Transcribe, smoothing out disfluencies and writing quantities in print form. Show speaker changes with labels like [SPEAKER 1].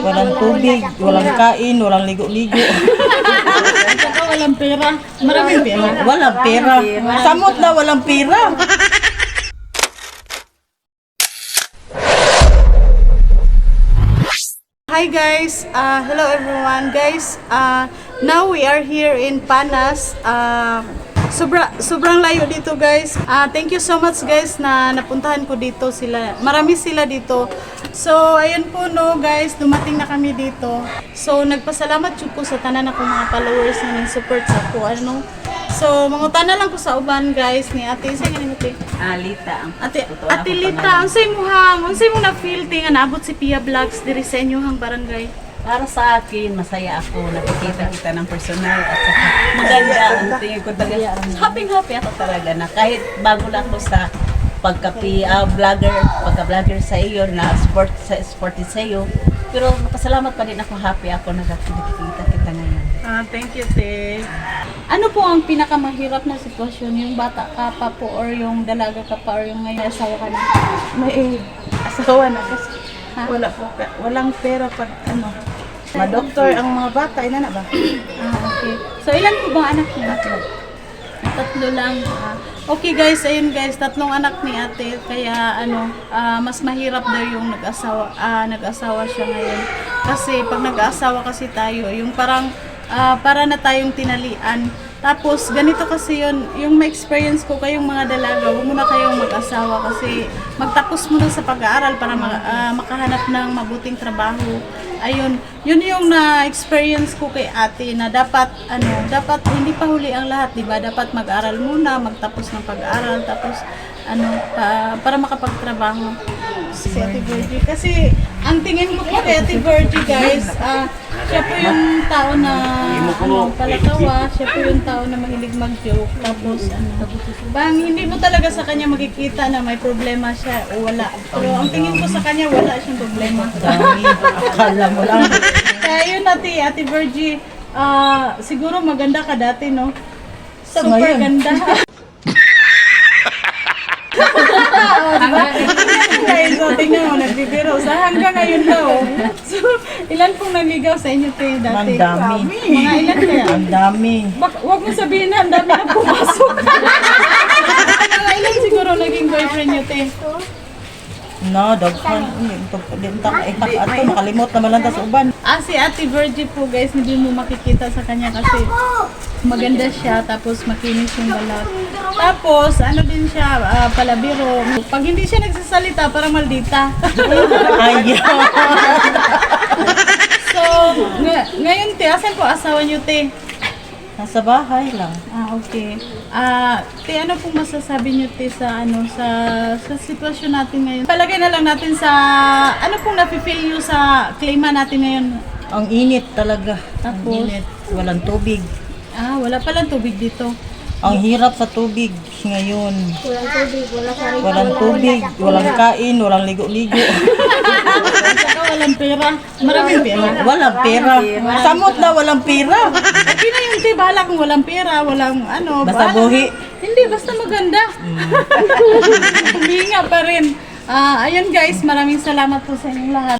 [SPEAKER 1] Walang tubig, walang kain, walang ligo-ligo.
[SPEAKER 2] Saka walang pera. Maraming pera.
[SPEAKER 1] Walang pera. Samot na walang pera.
[SPEAKER 2] Hi guys, hello everyone guys. Now we are here in Panas. Sobrang layo dito guys. Thank you so much guys na napuntahan ko dito sila. Marami sila dito. So ayun po no guys, dumating na kami dito. So nagpasalamat jud ko sa tanan akong mga followers na nag-support sa ko ano. So mangutana lang ko sa uban guys ni Ate sa ganing Ate.
[SPEAKER 3] Lita.
[SPEAKER 2] Ate Lita, unsay mo na feel ti nga naabot si Pia Vlogs diri sa inyohang barangay?
[SPEAKER 3] Para sa akin, masaya ako. Nakikita kita ng personal at saka maganda ang tingin ko talaga. Happy ako talaga na kahit bago lang ako sa pagka-vlogger sa iyo, na sporty sa iyo. Pero napasalamat pa din ako, happy ako nakikita kita ngayon.
[SPEAKER 2] Thank you, Te. Ano po ang pinakamahirap na sitwasyon? Yung bata ka pa po or yung dalaga ka pa or yung ngayon asawa ka na?
[SPEAKER 4] May asawa na kasi walang pera pag ano. Ma-doktor ang mga bata, ina na ba?
[SPEAKER 2] Okay. So, ilan po bang anak niya? Tatlo lang. Okay guys, ayun guys, tatlong anak ni Ate. Kaya mas mahirap daw yung nag-asawa siya ngayon. Kasi pag nag-asawa kasi tayo, yung parang para na tayong tinalian. Tapos, ganito kasi yun, yung ma-experience ko kayong mga dalaga, huwag muna kayong mag-asawa kasi magtapos muna sa pag-aaral para makahanap ng mabuting trabaho. Ayun, yun yung na-experience ko kay Ate na dapat hindi pa huli ang lahat, di ba? Dapat mag-aral muna, magtapos ng pag-aaral, tapos para makapagtrabaho si Ate Virgie. Kasi ang tingin ko po kay Ate Virgie guys, siya po yung tao na palatawa, siya po yung tao na mahilig mag-joke, tapos bang hindi mo talaga sa kanya makikita na may problema siya o wala. Pero ang tingin ko sa kanya wala siyang problema.
[SPEAKER 1] Akala mo lang.
[SPEAKER 2] Kaya yun Ate Virgie, siguro maganda ka dati no?
[SPEAKER 1] Sa
[SPEAKER 2] Super
[SPEAKER 1] ngayon.
[SPEAKER 2] ganda. Diba? Guys, tingnan mo, nagbibiro. Sa hanggang ngayon daw. So, ilan pong naligaw sa inyo tayo dati?
[SPEAKER 1] Ang dami.
[SPEAKER 2] Mga ilan kaya?
[SPEAKER 1] Ang dami.
[SPEAKER 2] Huwag mo sabihin na, ang dami na pumasok. Mga ilan siguro naging boyfriend nyo, te?
[SPEAKER 1] No, daghan. Ato makalimot naman lang ta sa uban.
[SPEAKER 2] Si Ate Virgie po guys, hindi mo makikita sa kanya kasi maganda siya, tapos makinis yung balat. Tapos, din siya, palabiro. Pag hindi siya nagsasalita, parang maldita.
[SPEAKER 1] Ayaw.
[SPEAKER 2] So, ngayon te, asan po asawa niyo te?
[SPEAKER 1] Nasa bahay lang.
[SPEAKER 2] Okay. Te, ano pong masasabi niyo te sa sa sitwasyon natin ngayon? Palagay na lang natin sa ano pong nafe-feel niyo sa klima natin ngayon?
[SPEAKER 1] Ang init talaga. Ang
[SPEAKER 2] Tapos?
[SPEAKER 1] init. Walang tubig.
[SPEAKER 2] Wala palang tubig dito.
[SPEAKER 1] Ang hirap sa tubig ngayon. Walang tubig, walang kain, walang ligo-ligo.
[SPEAKER 2] Saka walang pera. Maraming pera.
[SPEAKER 1] Walang pera. Samot na walang pera.
[SPEAKER 2] Okay na yung te, bahala kung walang pera, walang
[SPEAKER 1] Basta
[SPEAKER 2] bahala.
[SPEAKER 1] buhi.
[SPEAKER 2] Hindi, basta maganda. Huminga pa rin. Ayun guys, maraming salamat po sa inyong lahat.